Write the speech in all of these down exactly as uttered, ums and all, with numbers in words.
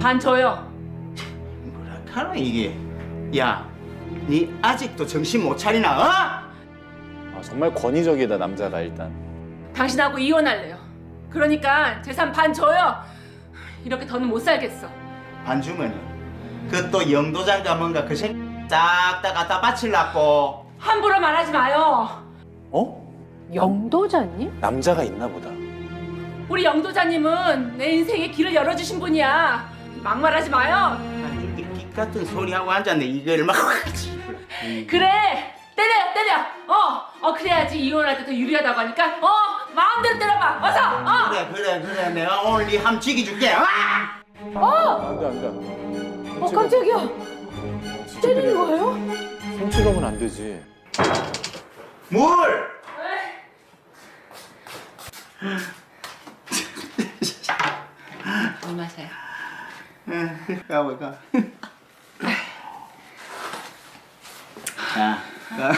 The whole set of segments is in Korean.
반 줘요. 뭐라 카노 이게? 야, 니 아직도 정신 못 차리나? 어? 아, 정말 권위적이다 남자가 일단. 당신하고 이혼할래요. 그러니까 재산 반 줘요. 이렇게 더는 못 살겠어. 반주머니. 그 또 영도장가 뭔가 그 새끼 싹 다 갖다 바칠라고. 함부로 말하지 마요. 어? 영도자님? 남자가 있나 보다. 우리 영도자님은 내 인생에 길을 열어주신 분이야. 막말하지 마요. 반주 이 같은 소리 하고 앉았네. 이걸 막. 그래, 때려, 때려. 어, 어 그래야지 이혼할 때 더 유리하다고 하니까. 어, 마음대로 때려봐. 어서. 어. 그래 그래 그래 내가 오늘 니 함 죽여줄게. 아! 안돼 안돼. 어 깜짝이야. 때리는 거예요? 성취감은 안 되지. 물. 물 마셔요. 가 볼까? 야, 가.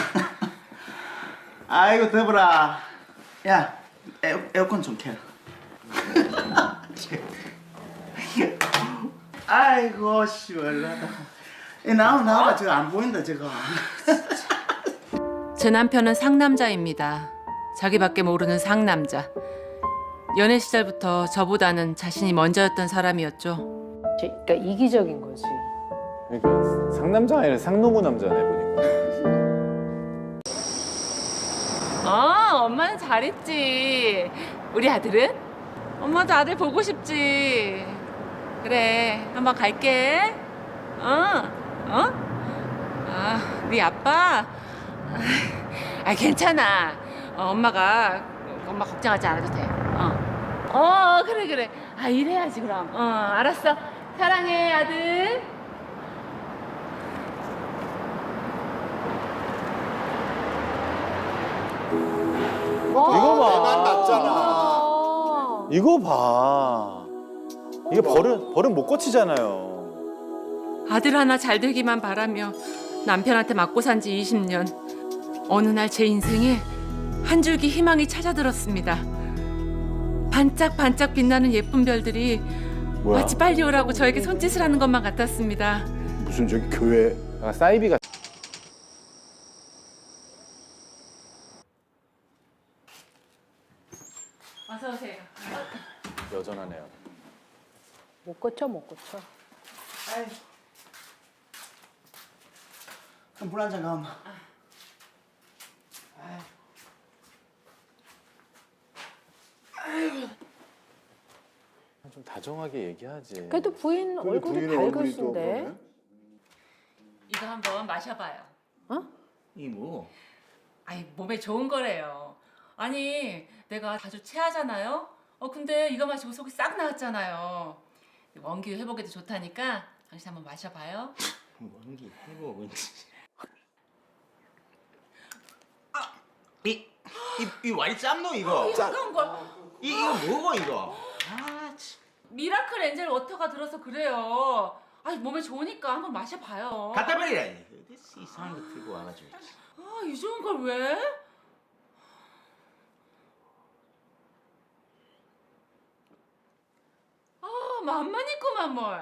아이고 더불어. 야, 에어, 에어컨 좀 켜. 아이고 시원하다. 나와 나와 저거 안 보인다 저거. 제 남편은 상남자입니다. 자기밖에 모르는 상남자. 연애 시절부터 저보다는 자신이 먼저였던 사람이었죠. 그러니까 이기적인 거지. 그러니까 상남자가 아니라 상노무 남자네 보니까. 어, 엄마는 잘했지. 우리 아들은? 엄마도 아들 보고 싶지. 그래, 한번 갈게. 어, 어? 아, 네 아빠? 아, 괜찮아. 어, 엄마가 엄마 걱정하지 않아도 돼. 어, 어, 그래 그래. 아, 이래야지 그럼. 어, 알았어. 사랑해, 아들. 이거 봐. 내만 났잖아. 아. 이거 봐. 이게 버릇 버릇 못 고치잖아요. 아들 하나 잘 되기만 바라며 남편한테 맞고 산 지 이십 년. 어느 날 제 인생에 한 줄기 희망이 찾아들었습니다. 반짝반짝 빛나는 예쁜 별들이 뭐야? 마치 빨리 오라고 저에게 손짓을 하는 것만 같았습니다. 무슨 저기 교회 아, 사이비가 어서 오세요. 여전하네요. 못 고쳐 못 고쳐. 아이고. 그럼 물 한 잔 가엄마. 좀 다정하게 얘기하지. 그래도 부인 얼굴이 밝으신데. 이거 한번 마셔봐요. 어? 이 뭐? 아이, 몸에 좋은 거래요. 아니, 내가 자주 체하잖아요. 어, 근데 이거 마시고 속이 싹 나왔잖아요. 원기 회복에도 좋다니까 당신 한번 마셔봐요. 원기 회복은. 아, 이, 이, 이 와이 짬노 이거. 이런 걸 이 이거 뭐고 이거? 아, 참. 미라클 엔젤 워터가 들어서 그래요. 아니, 몸에 좋으니까 한번 마셔봐요. 갖다 버리라. 어디서 이상한 거 들고 와가지고. 아, 이 좋은 걸 왜? 아, 맘만 있구만 뭘.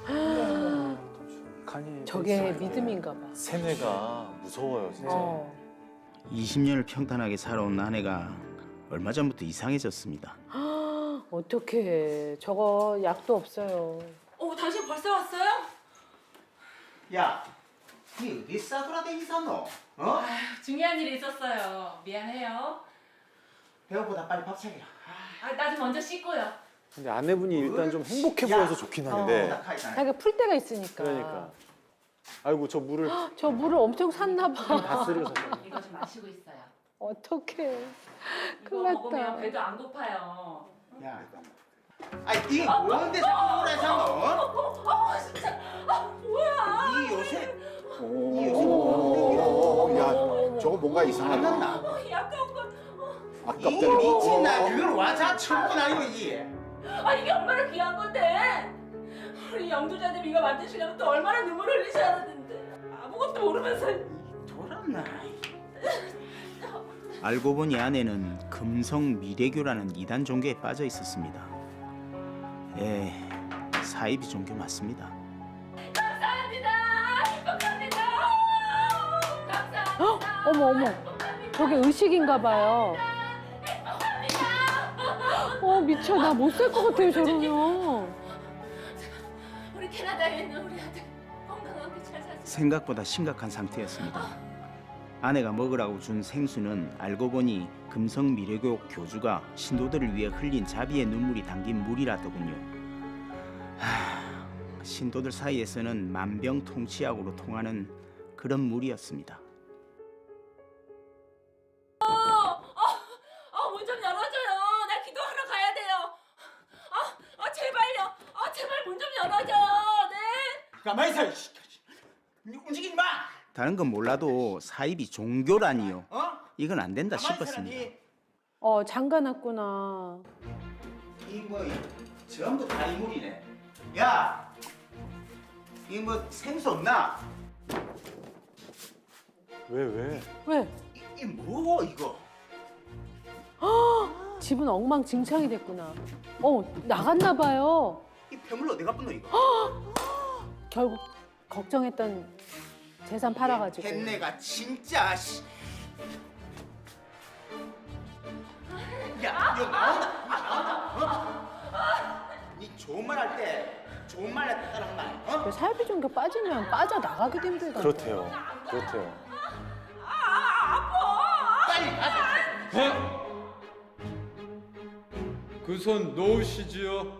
칸이 저게 믿음인가 봐. 세뇌가 무서워요 진짜. 어. 이십 년을 평탄하게 살아온 아내가 얼마 전부터 이상해졌습니다. 어떡해. 저거 약도 없어요. 어, 당신 벌써 왔어요? 야, 니 어디 싸돌아다니 사노? 어? 아휴, 중요한 일이 있었어요. 미안해요. 배고프다 빨리 밥 차리라. 아, 나 좀 먼저 씻고요. 근데 아내분이 일단 좀 행복해 야. 보여서 좋긴 한데. 어, 자기가 풀 때가 있으니까. 그러니까. 아이고 저 물을 저 물을 엄청 샀나 봐. 다 쓰려서. 이거 좀 마시고 있어요. 어떡해. 이거 큰일 먹으면 났다. 배도 안 고파요. 야, 아 이게 뭔데 자꾸 그래 사노? 어, 진짜. 아, 뭐야? 이 요새 오, 이 요새 뭐 야, 저거 뭔가 안 이상하다. 났나? 어, 이 아까운 건. 아깝다. 이 미친 나 그걸 와자 처먹고 나이고 이게. 아, 이게 얼마나 귀한 건데. 우리 영두자님 이거 만드시려면 또 얼마나 눈물 흘리셔야 하는데. 아무것도 모르면서. 돌았나? 알고 보니 아내는 금성 미래교라는 이단 종교에 빠져 있었습니다. 에, 사이비 종교 맞습니다. 감사합니다. 행복합니다. 감사합니다. 헉, 어머 어머. 저게 의식인가 봐요. 어 미쳐 나 못 살 것 같아요 저러면. 우리 캐나다에 있는 우리 아들 건강하게 잘 사세요. 생각보다 심각한 상태였습니다. 아내가 먹으라고 준 생수는 알고 보니 금성 미래교육 교주가 신도들을 위해 흘린 자비의 눈물이 담긴 물이라더군요. 하, 신도들 사이에서는 만병통치약으로 통하는 그런 물이었습니다. 아, 문 좀 열어줘요. 나 기도하러 가야 돼요. 아, 아 제발요. 아, 제발 문 좀 열어줘요. 네. 가만히 있어. 움직이지 마. 다른 건 몰라도 사입이 종교라니요. 어? 이건 안 된다 싶었습니다. 어 장가났구나. 이뭐 전부 다 이물이네. 야, 이 뭐 생수 없나? 왜 왜? 왜? 이 뭐 이거? 집은 엉망진창이 됐구나. 어 나갔나 봐요. 이 폐물 어디 갔노 이거? 결국 걱정했던 재산 팔아가지고. 햇내가 진짜 씨. 야, 이거 나온다. 이거 나온다. 어? 니 좋은 말 할 때 좋은 말 따라한 말. 어? 사이비 종교 빠지면 빠져 나가기도 힘들다. 그렇대요. 그렇대요. 빨리 가자. 그 손 놓으시지요.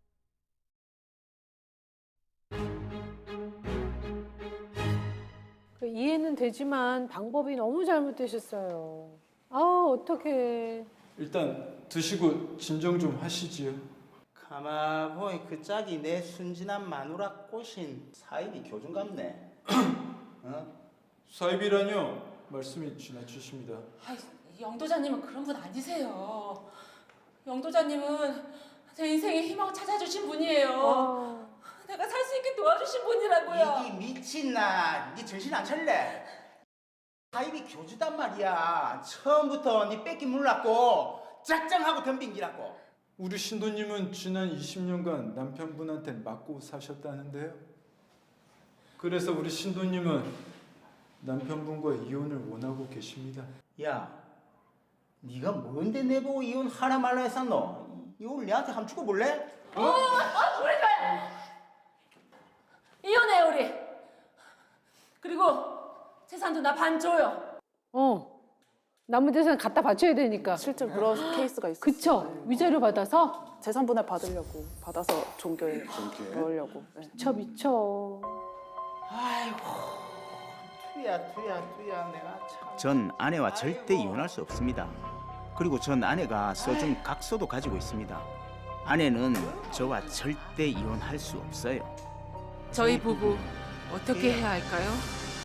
이해는 되지만 방법이 너무 잘못되셨어요. 아 어떡해. 일단 드시고 진정 좀 하시지요. 가만 보니 그 짝이 내 순진한 마누라 꼬신 사이비 교준 같네. 어? 사입이라뇨? 말씀이 지나치십니다. 아, 영도자님은 그런 분 아니세요. 영도자님은 제 인생의 희망 찾아주신 분이에요. 아, 내가 살 수 있게 도와주신 분이라고요. 이기 미친나, 니 정신 안 차릴래? 사이비 교주단 말이야. 처음부터 니 뺏기 몰랐고 짝짱하고 덤빈 기라고. 우리 신도님은 지난 이십 년간 남편분한테 맞고 사셨다는데요. 그래서 우리 신도님은 남편분과 이혼을 원하고 계십니다. 야, 네가 뭔데 내보고 이혼하라 말라 했었노? 이혼을 내한테 한번 죽어볼래? 어, 어, 우리 좋아요. 이혼해 우리. 그리고 재산도 나 반 줘요. 어. 남은 재산 갖다 바쳐야 되니까. 실제 그런 케이스가 있어요. 그쵸? 위자료 받아서 재산 분할 받으려고 받아서 종교에 넣으려고. 네. 미쳐 미쳐. 아이고, 투야 투야 투야 내가 참. 전 아내와 절대 이혼할 수 없습니다. 그리고 전 아내가 써준 각서도 가지고 있습니다. 아내는 저와 절대 이혼할 수 없어요. 저희 부부 어떻게 해야 할까요?